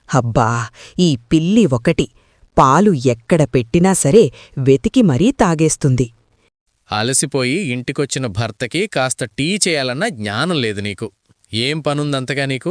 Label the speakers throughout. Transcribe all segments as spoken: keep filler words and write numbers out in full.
Speaker 1: అబ్బా ఈ పిల్లి ఒకటి పాలు ఎక్కడ పెట్టినా సరే వెతికి మరీ తాగేస్తుంది.
Speaker 2: అలసిపోయి ఇంటికొచ్చిన భర్తకి కాస్త టీ చేయాలన్న జ్ఞానం లేదు నీకు. ఏం పనుందంతగా నీకు?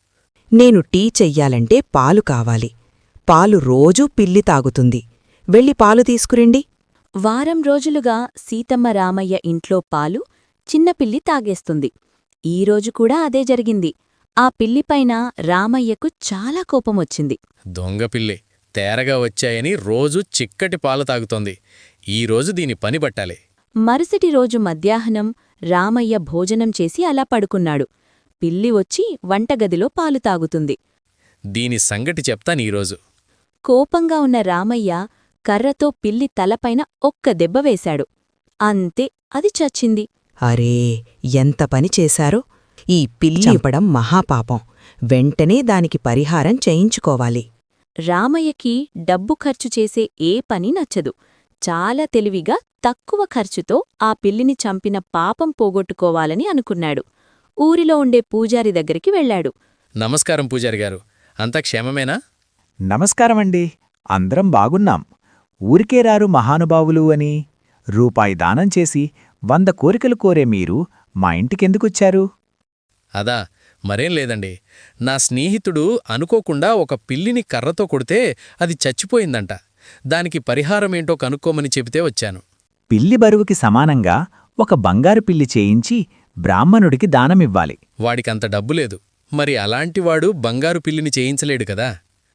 Speaker 1: నేను టీ చెయ్యాలంటే పాలు కావాలి. పాలు రోజూ పిల్లి తాగుతుంది. వెళ్ళి పాలు తీసుకురండి.
Speaker 3: వారం రోజులుగా సీతమ్మ రామయ్య ఇంట్లో పాలు చిన్నపిల్లి తాగేస్తుంది. ఈరోజు కూడా అదే జరిగింది. ఆ పిల్లిపైన రామయ్యకు చాలా కోపమొచ్చింది.
Speaker 2: దొంగ పిల్లి తేరగా వచ్చాయని రోజూ చిక్కటి పాలు తాగుతోంది. ఈరోజు దీని పని పట్టాలి.
Speaker 3: మరుసటి రోజు మధ్యాహ్నం రామయ్య భోజనం చేసి అలా పడుకున్నాడు. పిల్లి వచ్చి వంటగదిలో పాలు తాగుతుంది.
Speaker 2: దీని సంగటి చెప్తానీరోజు.
Speaker 3: కోపంగా ఉన్న రామయ్య కర్రతో పిల్లి తలపైన ఒక్క దెబ్బ వేశాడు. అంతే, అది చచ్చింది.
Speaker 1: అరే ఎంత పని చేశారో! ఈ పిల్లి చంపడం మహాపాపం. వెంటనే దానికి పరిహారం చేయించుకోవాలి.
Speaker 3: రామయ్యకి డబ్బు ఖర్చు చేసే ఏ పని నచ్చదు. చాలా తెలివిగా తక్కువ ఖర్చుతో ఆ పిల్లిని చంపిన పాపం పోగొట్టుకోవాలని అనుకున్నాడు. ఊరిలో ఉండే పూజారి దగ్గరికి వెళ్లాడు.
Speaker 2: నమస్కారం పూజారిగారు, అంతా క్షేమమేనా?
Speaker 4: నమస్కారమండి. అందరం బాగున్నాం. ఊరికే రారు మహానుభావులు అని రూపాయి దానం చేసి వంద కోరికలు కోరే మీరు మా ఇంటికెందుకొచ్చారు?
Speaker 2: అదా, మరేం లేదండి. నా స్నేహితుడు అనుకోకుండా ఒక పిల్లిని కర్రతో కొడితే అది చచ్చిపోయిందంట. దానికి పరిహారమేంటో కనుక్కోమని చెబితే వచ్చాను.
Speaker 4: పిల్లి బరువుకి సమానంగా ఒక బంగారు పిల్లి చేయించి బ్రాహ్మణుడికి దానమివ్వాలి.
Speaker 2: వాడికంత డబ్బులేదు. మరి అలాంటివాడు బంగారు పిల్లిని చేయించలేడు కదా.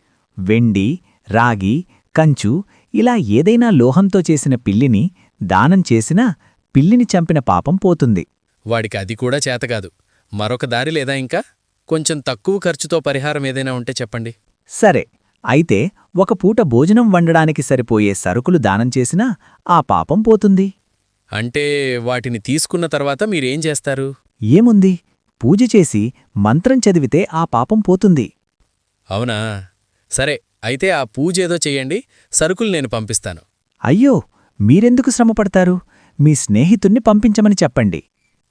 Speaker 4: వెండి, రాగి, కంచు ఇలా ఏదైనా లోహంతో చేసిన పిల్లిని దానం చేసినా పిల్లిని చంపిన పాపం పోతుంది.
Speaker 2: వాడికి అది కూడా చేతకాదు. మరొక దారి లేదా ఇంకా? కొంచెం తక్కువ ఖర్చుతో పరిహారం ఏదైనా ఉంటే చెప్పండి.
Speaker 4: సరే, అయితే ఒక పూట భోజనం వండడానికి సరిపోయే సరుకులు దానం చేసినా ఆ పాపం పోతుంది.
Speaker 2: అంటే వాటిని తీసుకున్న తర్వాత మీరేం చేస్తారు?
Speaker 4: ఏముంది, పూజ చేసి మంత్రం చదివితే ఆ పాపం పోతుంది.
Speaker 2: అవునా? సరే, అయితే ఆ పూజేదో చెయ్యండి, సరుకులు నేను పంపిస్తాను.
Speaker 4: అయ్యో, మీరెందుకు శ్రమపడతారు? మీ స్నేహితుణ్ణి పంపించమని చెప్పండి.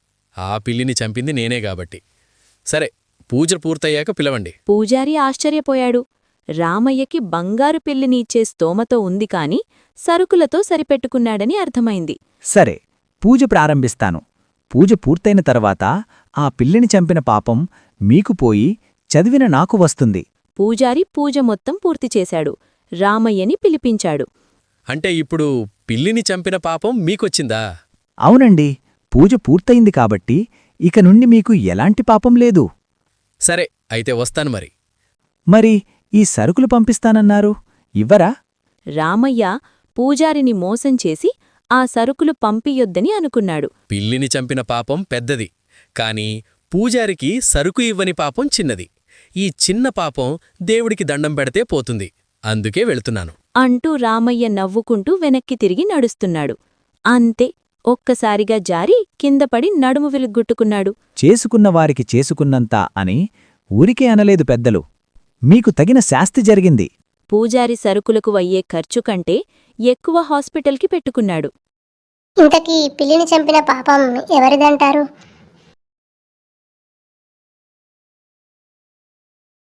Speaker 2: ఆ పిల్లిని చంపింది నేనే గాబట్టి. సరే, పూజ పూర్తయ్యాక పిలవండి.
Speaker 3: పూజారి ఆశ్చర్యపోయాడు. రామయ్యకి బంగారు పిల్లిని ఇచ్చే స్తోమతో ఉంది కాని సరుకులతో సరిపెట్టుకున్నాడని అర్థమైంది.
Speaker 4: సరే, పూజ ప్రారంభిస్తాను. పూజ పూర్తయిన తర్వాత ఆ పిల్లిని చంపిన పాపం మీకు పోయి చదివిన నాకు వస్తుంది.
Speaker 3: పూజారి పూజ మొత్తం పూర్తిచేశాడు. రామయ్యని పిలిపించాడు.
Speaker 2: అంటే ఇప్పుడు పిల్లిని చంపిన పాపం మీకొచ్చిందా?
Speaker 4: అవునండి, పూజ పూర్తయింది కాబట్టి ఇక నుండి మీకు ఎలాంటి పాపం లేదు.
Speaker 2: సరే, అయితే వస్తాను మరి.
Speaker 4: మరి ఈ సరుకులు పంపిస్తానన్నారు, ఇవ్వరా?
Speaker 3: రామయ్య పూజారిని మోసం చేసి ఆ సరుకులు పంపియొద్దని అనుకున్నాడు.
Speaker 2: పిల్లిని చంపిన పాపం పెద్దది, కాని పూజారికి సరుకు ఇవ్వని పాపం చిన్నది. ఈ చిన్న పాపం దేవుడికి దండం పెడితే పోతుంది. అందుకే వెళుతున్నాను
Speaker 3: అంటూ రామయ్య నవ్వుకుంటూ వెనక్కి తిరిగి నడుస్తున్నాడు. అంతే, ఒక్కసారిగా జారి కిందపడి నడుము విరుగ్గొట్టుకున్నాడు.
Speaker 4: చేసుకున్నవారికి చేసుకున్నంత అని ఊరికే అనలేదు పెద్దలు. మీకు తగిన శాస్తి జరిగింది.
Speaker 3: పూజారి సరుకులకు అయ్యే ఖర్చు కంటే ఎక్కువ హాస్పిటల్కి పెట్టుకున్నాడు.
Speaker 5: ఇంతకీ పిల్లిని చంపిన పాపం ఎవరిదంటారు?